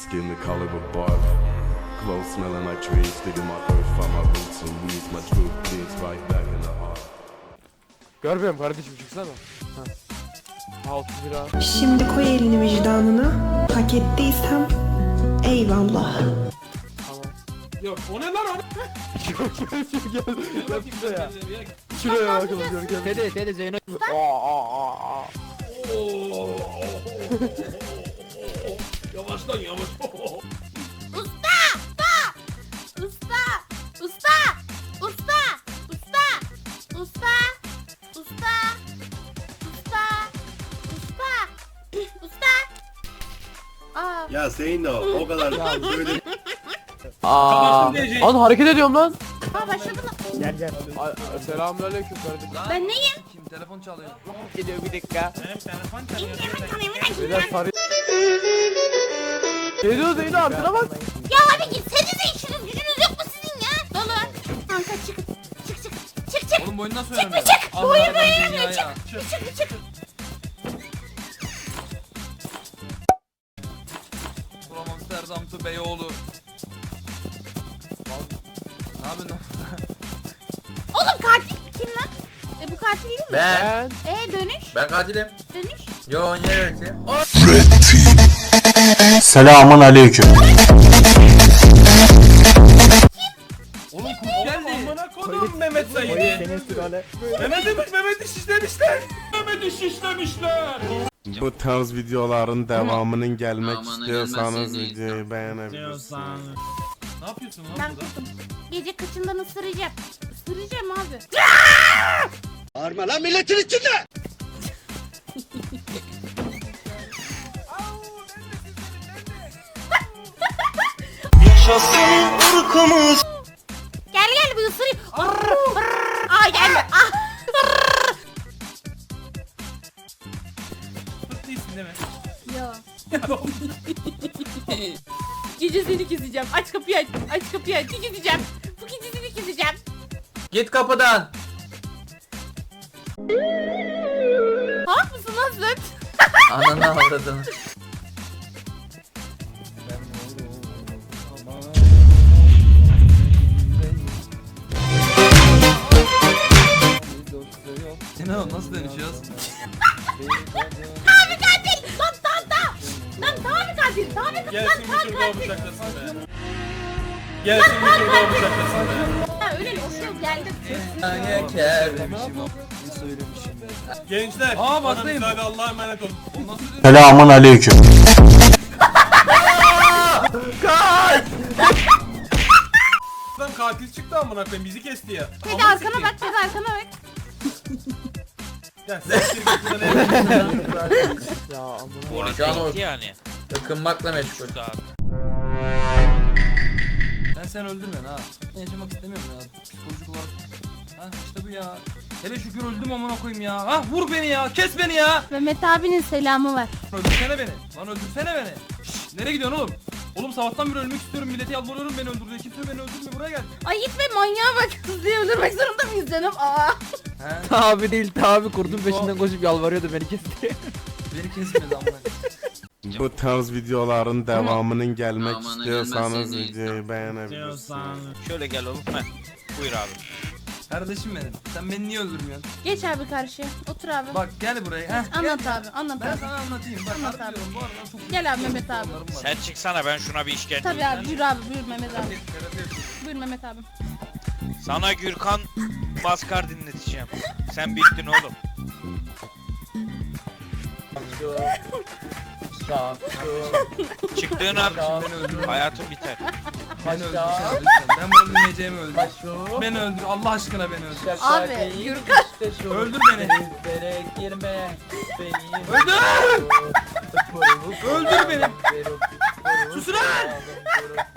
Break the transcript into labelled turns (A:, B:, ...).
A: Skin the color of bark, clothes smelling like trees. Digging my earth, find my roots and weeds. My truth bleeds right back in the heart.
B: Görmüyorum kardeşim, çıksana. Ha. 6 lira.
C: Şimdi koy elini vicdanına. Hak ettiysem eyvallah.
B: Tamam.
D: Yok o ne lan o?
B: Gel şuraya. Şuraya bakalım gel.
E: Dede Zeyno.
D: Yavaş lan yavaş.
F: Usta! Usta! Usta! Usta! Usta! Usta! Usta! Usta! Usta! Usta! Usta! Aa,
G: Ya Zeyno o kadar böyle
B: Lan hareket ediyorum lan.
F: başladı lan.
E: Gel.
B: Selamünaleyküm kardeşim.
F: Ben neyim?
E: Kim telefon çalıyor? Geliyor bir dakika.
D: Benim telefon çalıyor.
B: Beyler sarı. Geliyor Zeyno, arkana bak.
F: Ya abi gitsenize, işiniz gücünüz yok mu sizin ya? Dolu. Kanka çık. Çık.
E: Oğlum bu oyunu nasıl
F: Çık
E: oynanıyor?
F: bir çık. Bu
E: Allah
F: oyun
E: Allah,
F: böyle
E: dünya
F: oynanıyor.
E: ya.
F: Çık.
E: From Amsterdam to Beyoğlu. Ne yapıyorsun?
F: Oğlum katil kim lan? Bu katil değil mi?
E: Ben.
F: Dönüş.
E: Ben katilim.
F: Dönüş.
E: Yo neresi?
H: Selamun aleyküm.
E: Oğlum kurt geldi.
D: Amına kodum Mehmet Said'i. Mehmet'i şişlemişler. Mehmet'i şişlemişler.
A: Bu tarz videoların devamının gelmek
E: Aman,
A: istiyorsanız
E: gelmesin
A: videoyu beğenebilirsiniz.
D: Ne yapıyorsun lan
F: Ben
D: burada?
F: kurtum. Gece kaçından ısıracağım. Isıracağım abi.
G: Bağırma lan milletin içinde.
F: Gel bir ısırayım. Aa gelme. Ah.
D: Fırt değilsin değil mi?
F: Yo. Gece seni keseceğim. Aç kapıyı aç. Aç kapıyı aç. Keseceğim. Bu gece seni keseceğim.
E: Git kapıdan.
F: Hak mısın lan sen?
E: Ananı avradını. Sinan nasıl dönüşüyoruz?
F: Abi katil. Lan tam. Lan Tanrı katil. Tanrı
D: Gelsin bir tur daha bıçaklasın be. Gelsin bir tur daha bıçaklasın be.
F: Ha öyle oluyor geldim.
D: Gençler.
E: Aa,
D: bana
E: baktayım.
D: müsaade, Allah'a emanet olun.
E: O nasıl dönüyor?
H: Selamun aleyküm.
D: Adam katil çıktı amına koyayım bizi kesti ya.
F: Hadi arkana bak. Hadi arkana bak.
D: Gel siktir git buradan eve.
B: Ya amına.
E: Şu an o
I: yani.
E: ıkınmakla meşgul.
I: Şurada abi.
E: Sen öldürme ha. Ben yaşamak istemiyorum ya. Psikolojik olarak. Ha işte bu ya. Hele şükür öldüm amına koyayım ya. Ha vur beni ya. Kes beni ya.
F: Mehmet abinin selamı var.
E: Öldürsene beni. Lan öldürsene beni. Şşş, nereye gidiyorsun oğlum? Oğlum sabahtan beri ölmek istiyorum. Millete yalvarıyorum beni öldür diye. Kimse beni öldürme buraya gel.
F: Ay gitme manyağa bak. Hızlıya öldürmek zorunda mıyız canım? Aa.
E: He.
B: Tabi değil tabi, kurdun peşinden koşup yalvarıyordu beni kes diye.
E: Beni kesmedi amına.
A: Bu tarz videoların devamının gelmek
E: Aman,
A: istiyorsanız
E: gelmesin
A: videoyu beğenebilirsiniz.
I: Şöyle gel oğlum. Heh. Buyur abi.
E: Kardeşim benim. Sen beni niye öldürmüyorsun?
F: Geç abi karşıya. Otur abi.
E: Bak gel buraya. Heh,
F: Anlat
E: gel.
F: abi. Anlat
E: Ben
F: abi.
E: sana anlatayım. Bak
F: Anlat
E: harbi diyorum, bu aralar çok
F: Gel abi Mehmet abi.
E: sorunlarım var.
I: Sen çıksana ben şuna bir işkence
F: Tabii
I: edeyim.
F: abi. Buyur abi. Buyur Mehmet abi.
E: Terapi yapayım.
F: Buyur Mehmet abi.
I: Sana Gürkan Maskar dinleteceğim. Sen bittin oğlum. Çıktığın an hayatın biter.
E: Beni öldürsene lütfen. Ben bunu öldürmeyeceğimi öldür. Beni öldür. Allah aşkına beni öldür.
F: Abi Gürkan.
E: Öldür beni. Öldür. Öldür beni. Sus lan.